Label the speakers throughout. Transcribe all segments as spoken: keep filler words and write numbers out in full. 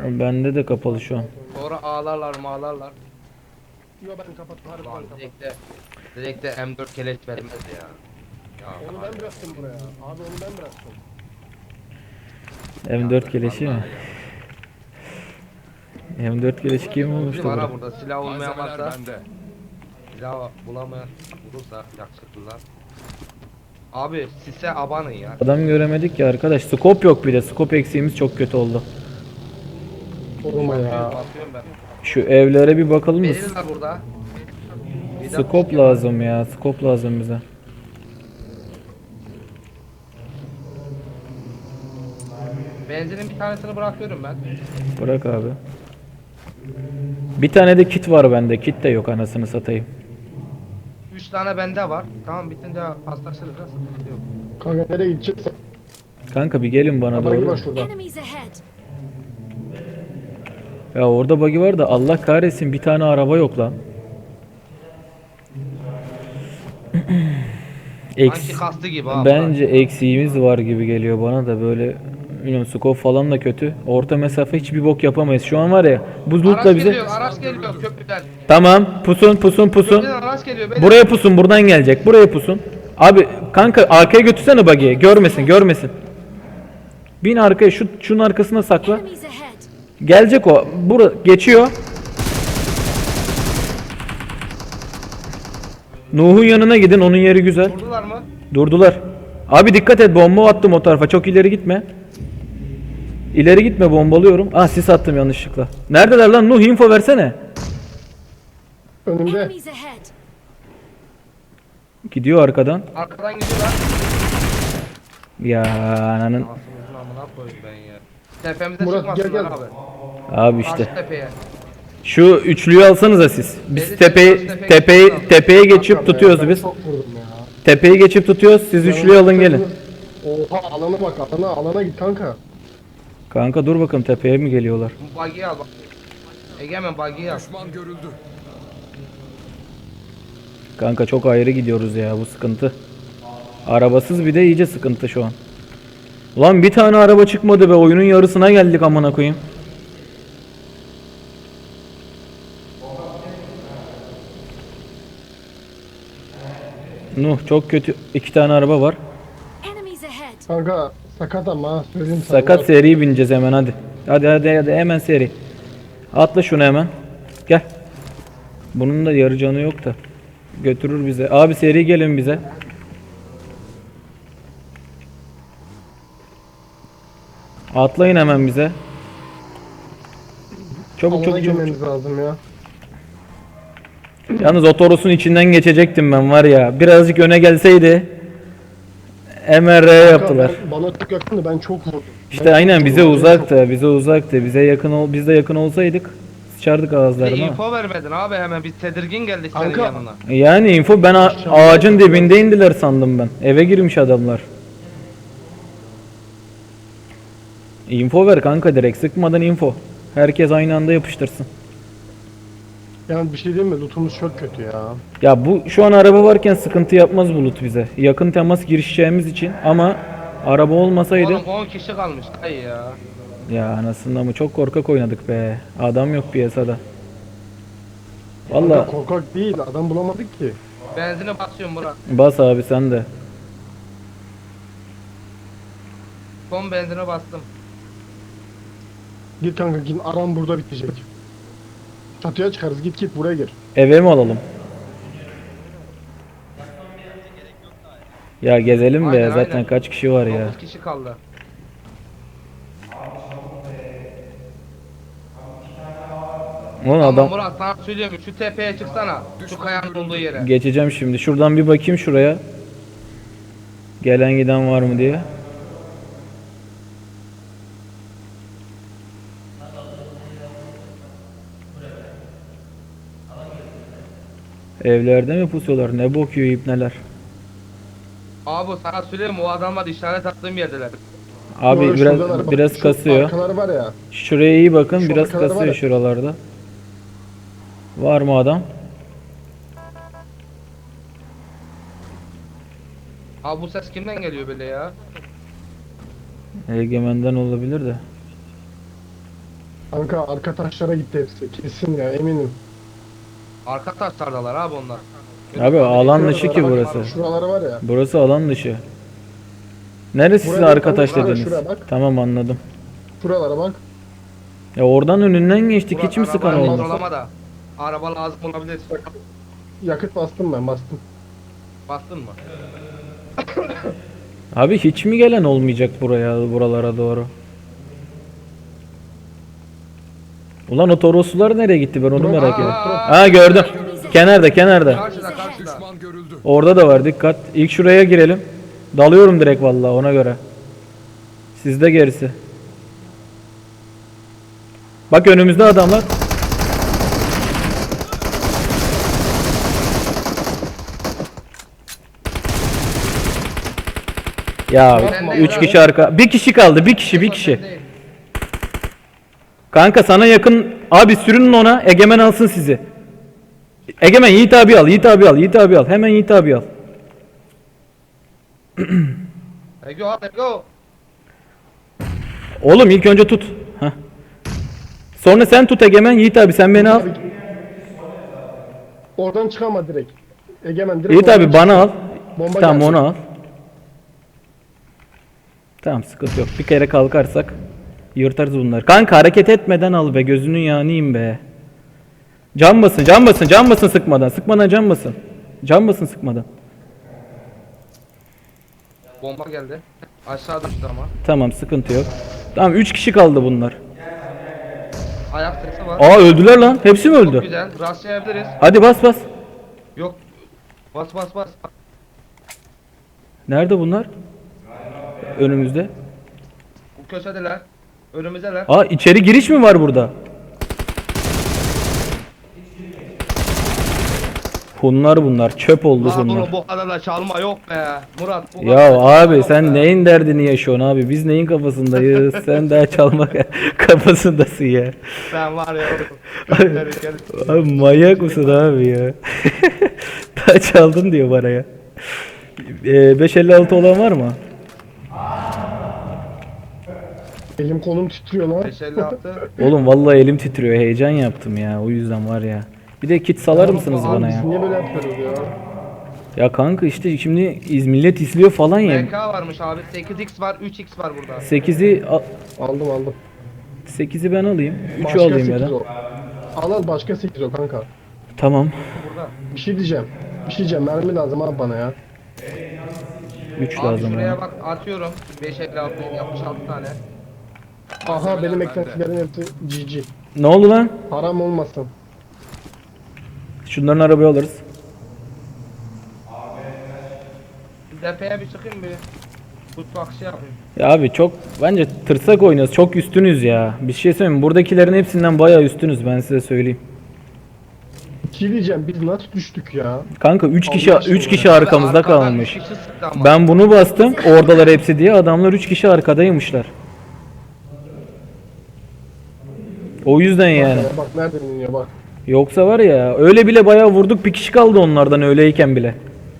Speaker 1: Bende de kapalı şu an.
Speaker 2: Sonra ağlarlar mağlarlar.
Speaker 3: Yo ben kapattım harbiden
Speaker 2: Lan
Speaker 3: kapattım.
Speaker 2: direkt de, direkt de M dört keleş vermez ya. Ya
Speaker 3: Onu ben bıraktım buraya. Abi onu ben bıraktım.
Speaker 1: M dört keleşi mi?
Speaker 2: vallahi ya.
Speaker 1: M dört keleşi kim olmuştu
Speaker 2: Bizim ara
Speaker 1: burada?
Speaker 2: burada silah olmayan
Speaker 4: Malzemeler
Speaker 2: varsa
Speaker 4: bende.
Speaker 2: silah bulamayan bulursa yakışıklılar. Abi size abanın ya.
Speaker 1: Adam göremedik ya arkadaş. Scope yok bir de. Scope eksiğimiz çok kötü oldu.
Speaker 3: Koruma ya.
Speaker 2: Basıyorum ben.
Speaker 1: Şu evlere bir bakalım mı?
Speaker 2: Verirler burada. Bir de-
Speaker 1: Scope lazım ya. Scope lazım bize.
Speaker 2: Benzinin bir tanesini bırakıyorum ben.
Speaker 1: Bırak abi. Bir tane de kit var bende. Kit de yok anasını satayım.
Speaker 2: Üç tane bende var. Tamam bitince paslaşırız. Nasıl sıkıntı yok.
Speaker 3: Kanka nereye gideceksin?
Speaker 1: Kanka bir gelin bana
Speaker 3: Bana
Speaker 1: doğru.
Speaker 3: var şurada.
Speaker 5: Enemies ahead.
Speaker 1: Ya orada bug'i var da Allah kahretsin bir tane araba yok lan. Eks
Speaker 2: Sanki kastı gibi abi.
Speaker 1: Bence eksiğimiz var gibi geliyor bana da böyle bilmiyorum scope falan da kötü. Orta mesafe hiçbir bok yapamayız. Şu an var ya bu
Speaker 2: Araç
Speaker 1: lootla bize.
Speaker 2: geliyor, araç geliyor köprüden.
Speaker 1: Tamam pusun pusun pusun.
Speaker 2: Köprüden araç geliyor. beyler.
Speaker 1: Buraya pusun buradan gelecek. Buraya pusun. Abi kanka arkaya götürsene buggy'i. Görmesin görmesin. Bin arkaya şu şunun arkasına sakla.
Speaker 5: Enemies ahead.
Speaker 1: Gelecek o. Bura geçiyor. Nuh'un yanına gidin. Onun yeri güzel.
Speaker 2: Vurdular mı?
Speaker 1: Durdular. Abi dikkat et bomba attım o tarafa. Çok ileri gitme. İleri gitme bombalıyorum. Ah sis attım yanlışlıkla. Neredeler lan? Nuh info versene.
Speaker 3: Önümde.
Speaker 5: Enemies ahead.
Speaker 1: Gidiyor arkadan.
Speaker 2: Arkadan gidiyorlar.
Speaker 1: Ya ananın.
Speaker 2: Ağzımızın amına koyayım ben ya. Tepemize
Speaker 3: Murat,
Speaker 2: çıkmasınlar
Speaker 3: gel, gel.
Speaker 2: abi.
Speaker 1: Abi işte.
Speaker 2: Karşı tepeye.
Speaker 1: Şu üçlüyü alsanıza siz. Biz
Speaker 2: Beni
Speaker 1: tepeyi
Speaker 2: çekmez, tepeye
Speaker 1: tepeyi
Speaker 2: geçiyoruz.
Speaker 1: tepeye geçip
Speaker 3: Kanka be,
Speaker 1: tutuyoruz
Speaker 3: ben
Speaker 1: biz.
Speaker 3: Çok vurdum ya.
Speaker 1: Tepeyi geçip tutuyoruz. Siz üçlüyü alın gelin.
Speaker 3: Oha alana bak alana alana git kanka.
Speaker 1: Kanka dur bakalım tepeye mi geliyorlar?
Speaker 2: Bu buggy'i al bak. Egemen buggy'i al.
Speaker 4: Düşman görüldü.
Speaker 1: Kanka çok ayrı gidiyoruz ya bu sıkıntı. Arabasız bir de iyice sıkıntı şu an. Ulan bir tane araba çıkmadı be oyunun yarısına geldik amına koyayım. Nuh çok kötü iki tane araba var.
Speaker 5: Enemies ahead.
Speaker 3: Kanka sakat ama söyleyeyim sana.
Speaker 1: Sakat seri bineceğiz hemen hadi. Hadi hadi hadi hemen seri. Atla şunu hemen. Gel. Bunun da yarı canı yok da. Götürür bize. Abi seri gelin bize. Atlayın hemen bize. Çabuk
Speaker 3: Alana
Speaker 1: çabuk çabuk.
Speaker 3: girmemiz lazım ya.
Speaker 1: Yalnız otorosun içinden geçecektim ben var ya. Birazcık öne gelseydi. M R yaptılar.
Speaker 3: Kanka, ben- bana çok yakındı ben çok vurdum.
Speaker 1: İşte
Speaker 3: Ben
Speaker 1: aynen
Speaker 3: çok
Speaker 1: bize
Speaker 3: vurdum, ben
Speaker 1: uzaktı. Bize uzaktı. Bize yakın ol biz de yakın olsaydık sıçardık
Speaker 2: Bir de
Speaker 1: ağızlarına.
Speaker 2: info vermedin abi hemen biz tedirgin geldik senin
Speaker 3: Kanka.
Speaker 2: yanına.
Speaker 1: Yani info ben a- ağacın dibinde indiler sandım ben. Eve girmiş adamlar. Info ver kanka direkt sıkmadan info. Herkes aynı anda yapıştırsın.
Speaker 3: çok- Yani bir şey diyeyim mi? Lootumuz çok kötü ya.
Speaker 1: Ya bu şu an araba varken sıkıntı yapmaz bulut bize. Yakın temas girişeceğimiz için ama araba olmasaydı
Speaker 2: Oğlum on kişi kalmış. Ay ya.
Speaker 1: ya anasını mı çok korkak oynadık be. Adam yok piyasada. Valla
Speaker 3: Kanka korkak değil adam bulamadık ki.
Speaker 2: Benzine basıyorum Murat.
Speaker 1: bas abi sen de.
Speaker 2: Son benzine bastım.
Speaker 3: Git kanka git aram burada bitecek. Çatıya çıkarız git git buraya gir.
Speaker 1: Eve mi alalım? Ya gezelim be
Speaker 2: Aynen,
Speaker 1: zaten
Speaker 2: aynen.
Speaker 1: kaç kişi var ya.
Speaker 2: dokuz kişi kaldı.
Speaker 1: Ulan
Speaker 2: Ama
Speaker 1: adam
Speaker 2: Murat sana söylüyorum şu tepeye çıksana. Şu kayanın olduğu yere.
Speaker 1: geçeceğim şimdi. Şuradan bir bakayım şuraya. Gelen giden var mı diye. Evlerde mi pusuyorlar? Ne bok yiyor ipneler?
Speaker 2: Abi sana söylüyorum o adamlar işaret attığım yerdeler.
Speaker 1: Abi
Speaker 3: Doğru,
Speaker 1: biraz
Speaker 3: şuradalar. Bak,
Speaker 1: biraz
Speaker 3: şu
Speaker 1: kasıyor.
Speaker 3: Arkaları var ya.
Speaker 1: Şuraya iyi bakın.
Speaker 3: Şu
Speaker 1: Biraz
Speaker 3: arkaları var
Speaker 1: kasıyor
Speaker 3: ya.
Speaker 1: şuralarda. Var mı adam?
Speaker 2: Abi bu ses kimden geliyor böyle ya?
Speaker 1: Egemen'den olabilir de.
Speaker 3: Kanka arka taşlara gitti hepsi. Kesin ya eminim.
Speaker 2: Arka taşlardalar abi onlar.
Speaker 1: Abi alan dışı ki
Speaker 3: Şuralara bak,
Speaker 1: burası.
Speaker 3: Şuraları var ya.
Speaker 1: Burası alan dışı. Neresi sizin
Speaker 3: Buraya
Speaker 1: arka
Speaker 3: bak,
Speaker 1: taş
Speaker 3: şuraya,
Speaker 1: dediniz?
Speaker 3: şuraya bak.
Speaker 1: Tamam anladım.
Speaker 3: Şuralara bak.
Speaker 1: Ya oradan önünden geçtik
Speaker 2: Murat,
Speaker 1: hiç mi sıkan
Speaker 2: arabayı
Speaker 1: oldu?
Speaker 2: kontrolama da. Araba lazım olabilir.
Speaker 3: Yakıt bastım ben bastım.
Speaker 2: Bastın mı?
Speaker 1: Abi hiç mi gelen olmayacak buraya buralara doğru? Ulan o Toroslular nereye gitti ben onu
Speaker 3: Drop-
Speaker 1: merak
Speaker 3: Aa,
Speaker 1: ediyorum.
Speaker 2: aa,
Speaker 1: Ha gördüm. Kenarda kenarda.
Speaker 2: Karşıda karşıda.
Speaker 1: Orada da var dikkat. İlk şuraya girelim. Dalıyorum direkt vallahi ona göre. Sizde gerisi. Bak önümüzde adamlar. Ya
Speaker 2: Ben de
Speaker 1: üç
Speaker 2: ya.
Speaker 1: kişi arka. Bir kişi kaldı. Bir kişi, bir kişi.
Speaker 2: Değil.
Speaker 1: Kanka sana yakın abi sürünün ona. Egemen alsın sizi. Egemen Yiğit abi al. Yiğit abi al. Yiğit abi al. Hemen Yiğit abi al.
Speaker 2: Ego al Ego.
Speaker 1: Oğlum ilk önce tut. Heh. Sonra sen tut Egemen. Yiğit abi sen beni al.
Speaker 3: Oradan çıkama direkt. Egemen direkt.
Speaker 1: Yiğit
Speaker 3: oradan
Speaker 1: abi bana al.
Speaker 3: Bomba
Speaker 1: Tamam
Speaker 3: gelecek.
Speaker 1: onu al. Tamam sıkıntı yok. Bir kere kalkarsak yırtarız bunları. Kanka hareket etmeden al be. Gözünün yağınıyım be. Can basın, can basın, can basın sıkmadan. Sıkmadan can basın. Can basın sıkmadan.
Speaker 2: Bomba geldi. Aşağı düştü ama.
Speaker 1: Tamam sıkıntı yok. Tamam üç kişi kaldı bunlar.
Speaker 2: Ayak sesi var.
Speaker 1: Aa öldüler lan. Hepsi mi
Speaker 2: Çok
Speaker 1: öldü?
Speaker 2: güzel. Rastlayabiliriz.
Speaker 1: Hadi bas bas.
Speaker 2: Yok. Bas bas bas.
Speaker 1: Nerede bunlar? Önümüzde.
Speaker 2: Bu köşedeler. Önümüzdeler.
Speaker 1: Aa içeri giriş mi var burada? Hunlar bunlar. Çöp oldu
Speaker 2: Lan
Speaker 1: hunlar.
Speaker 2: bunu bu kadar da çalma yok be. Murat bu
Speaker 1: Ya
Speaker 2: kadar da çalma
Speaker 1: abi
Speaker 2: yok
Speaker 1: sen
Speaker 2: be.
Speaker 1: neyin derdini yaşıyorsun abi? Biz neyin kafasındayız? Sen daha çalmak kafasındasın ya.
Speaker 2: Sen var ya. Gökleri gel-
Speaker 1: Abi manyak mısın abi ya? Daha çaldın diyor bana ya. Ee, beş elli altı olan var mı?
Speaker 3: Elim kolum titriyor lan.
Speaker 2: beş elli altı.
Speaker 1: Oğlum vallahi elim titriyor. Heyecan yaptım ya. O yüzden var ya. Bir de kit salar mısınız
Speaker 3: Abi
Speaker 1: bana
Speaker 3: biz
Speaker 1: ya?
Speaker 3: niye böyle yapıyoruz ya?
Speaker 1: Ya kanka işte şimdi iz millet izliyor falan
Speaker 2: M
Speaker 1: ya.
Speaker 2: K varmış abi. sekiz x var, üç x var burada.
Speaker 1: sekizi
Speaker 3: Aldım aldım.
Speaker 1: sekizi ben alayım. üçü
Speaker 3: Başka
Speaker 1: alayım ya
Speaker 3: sekiz
Speaker 1: da.
Speaker 3: o. Al al başka sekiz o kanka.
Speaker 1: Tamam.
Speaker 2: Burada.
Speaker 3: Bir şey diyeceğim. Bir şey diyeceğim. Mermi lazım abi bana ya.
Speaker 1: üç
Speaker 2: Abi
Speaker 1: lazım
Speaker 2: şuraya
Speaker 1: bana.
Speaker 2: bak atıyorum. beş elli altı yapmış altı tane.
Speaker 3: Aha benim eklentilerin hepsi G G.
Speaker 1: Ne oldu lan?
Speaker 3: Haram olmasın.
Speaker 1: Şunların arabayı alırız.
Speaker 2: Tepeye bir çıkayım bir. Kut bakışı yapayım.
Speaker 1: Ya abi çok bence tırsak oynuyoruz. Çok üstünüz ya. Bir şey söyleyeyim mi? Buradakilerin hepsinden bayağı üstünüz ben size söyleyeyim.
Speaker 3: Bir şey diyeceğim. Biz nasıl düştük ya?
Speaker 1: Kanka üç kişi
Speaker 3: Allah aşkına
Speaker 1: üç kişi
Speaker 2: Abi
Speaker 1: arkamızda
Speaker 2: arkadan
Speaker 1: kalmış.
Speaker 2: üç kişi sıktı ama.
Speaker 1: Ben bunu bastım. Oradalar hepsi diye. Adamlar üç kişi arkadaymışlar. O yüzden yani.
Speaker 3: Ya bak nereden iniyor bak.
Speaker 1: Yoksa var ya öyle bile bayağı vurduk. Bir kişi kaldı onlardan öyleyken bile.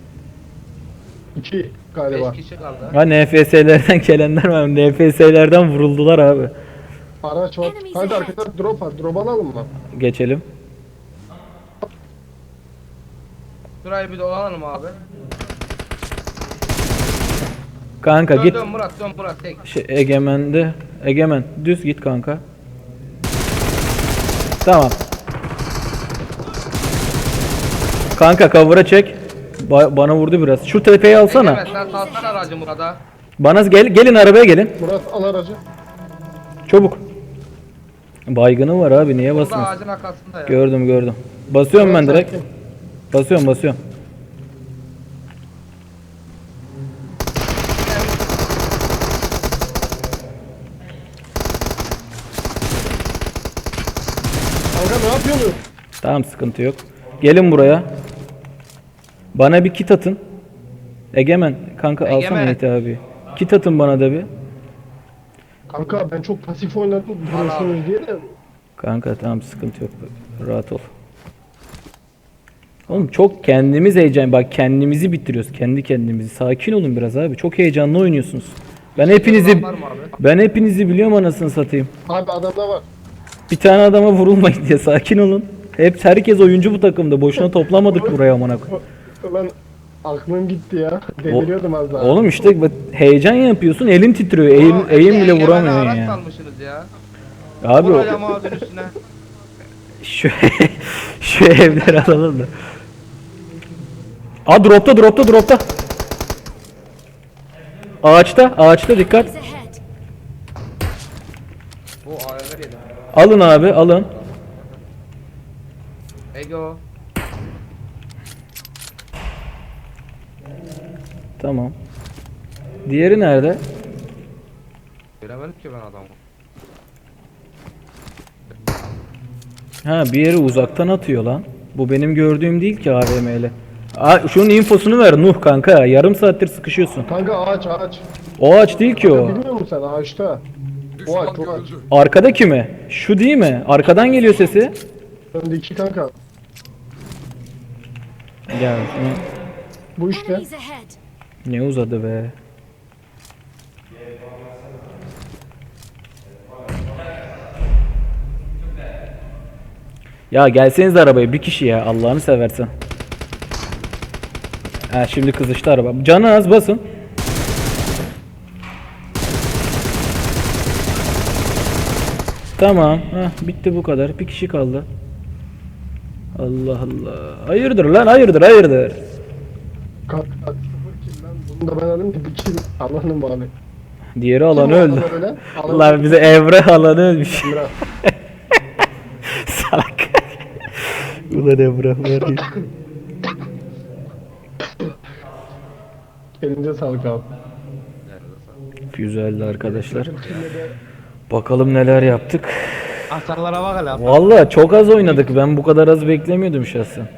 Speaker 3: İki galiba.
Speaker 2: beş kişi kaldı.
Speaker 1: Ha N F S'lerden gelenler var. N F S'lerden vuruldular abi.
Speaker 3: Araç var.
Speaker 5: Enemies
Speaker 3: Hadi
Speaker 5: ahead.
Speaker 3: arkadaşlar drop var. Drop alalım mı?
Speaker 1: Geçelim.
Speaker 2: Şurayı bir dolanalım abi.
Speaker 1: Kanka
Speaker 2: Dön
Speaker 1: git.
Speaker 2: dön Murat dön Murat tek.
Speaker 1: Şey, Egemen'de. Egemen düz git kanka. Tamam. Kanka cover'a çek. Ba- bana vurdu biraz. Şu tepeyi alsana.
Speaker 2: Evet sen salsana aracı Murat'a.
Speaker 1: Bana gel gelin arabaya gelin.
Speaker 3: Murat al aracı.
Speaker 1: Çabuk. Baygını var abi niye
Speaker 2: Burada
Speaker 1: basmıyorsun?
Speaker 2: ağacın arkasında ya.
Speaker 1: Gördüm gördüm. Basıyorum ben
Speaker 3: Murat,
Speaker 1: direkt.
Speaker 3: sakin.
Speaker 1: Basıyorum basıyorum.
Speaker 3: Kanka ne yapıyorsun?
Speaker 1: Tamam sıkıntı yok. Gelin buraya. Bana bir kit atın. Egemen kanka alsana
Speaker 2: Egemen.
Speaker 1: Mehdi abi. Kit atın bana da bir.
Speaker 3: Kanka ben çok pasif oynadım. Biliyorsunuz diye de.
Speaker 1: Kanka tamam sıkıntı yok. Rahat ol. Oğlum çok kendimiz heyecan bak kendimizi bitiriyoruz kendi kendimizi. Sakin olun biraz abi. Çok heyecanlı oynuyorsunuz. Ben hepinizi
Speaker 2: Var mı abi?
Speaker 1: ben hepinizi biliyorum anasını satayım.
Speaker 3: Abi adamda var.
Speaker 1: Bir tane adama vurulmayın diye sakin olun. Hep herkes oyuncu bu takımda. Boşuna toplamadık buraya amına koyayım.
Speaker 3: Ulan aklım gitti ya. Deliriyordum az daha.
Speaker 1: Oğlum işte bak, heyecan yapıyorsun, elin titriyor. Eğim,
Speaker 2: Aa,
Speaker 1: eğim bile
Speaker 2: egemen
Speaker 1: vuramıyorsun
Speaker 2: araç
Speaker 1: ya.
Speaker 2: salmışsınız ya.
Speaker 1: Abi o,
Speaker 2: Buraya mağazın üstüne.
Speaker 1: şu şu evleri alalım da. Aa dropta dropta dropta. Ağaçta ağaçta dikkat.
Speaker 5: Enemies ahead.
Speaker 2: Bu A V M yedim.
Speaker 1: Alın abi alın.
Speaker 2: Ego.
Speaker 1: Tamam. Diğeri nerede?
Speaker 2: Göremedim ki ben adamı.
Speaker 1: Ha bir yeri uzaktan atıyor lan. Bu benim gördüğüm değil ki A V M'li. Aa, şunun infosunu ver Nuh kanka. Yarım saattir sıkışıyorsun.
Speaker 3: Kanka ağaç ağaç.
Speaker 1: O ağaç değil ki o.
Speaker 3: Bilmiyor musun sen ağaçta? O ağaç o ağaç.
Speaker 1: Arkadaki mi? Şu değil mi? Arkadan geliyor sesi.
Speaker 3: Öndeki kanka.
Speaker 1: Gel şunu.
Speaker 3: Bu işte.
Speaker 5: Enemies ahead.
Speaker 1: Ne uzadı be. Ya gelseniz arabaya bir kişi ya Allah'ını seversen. Ha şimdi kızıştı araba. Canı az basın. Tamam. Heh, bitti bu kadar. Bir kişi kaldı. Allah Allah. Hayırdır lan hayırdır hayırdır.
Speaker 3: Kanka sıfır kill lan. Bunu da ben alayım ki bir kill alanım abi.
Speaker 1: Diğeri
Speaker 3: Kim
Speaker 1: alanı
Speaker 3: o
Speaker 1: öldü.
Speaker 3: adam öyle? Alan-
Speaker 1: Allah bize Evre alanı ölmüş.
Speaker 3: Emrah.
Speaker 1: Salak. Ulan Emre var ya.
Speaker 3: Elinize sağlık abi.
Speaker 1: Güzeldi arkadaşlar. Bakalım neler yaptık.
Speaker 2: Hasarlara bak hele.
Speaker 1: Vallahi çok az oynadık. Ben bu kadar az beklemiyordum şahsen.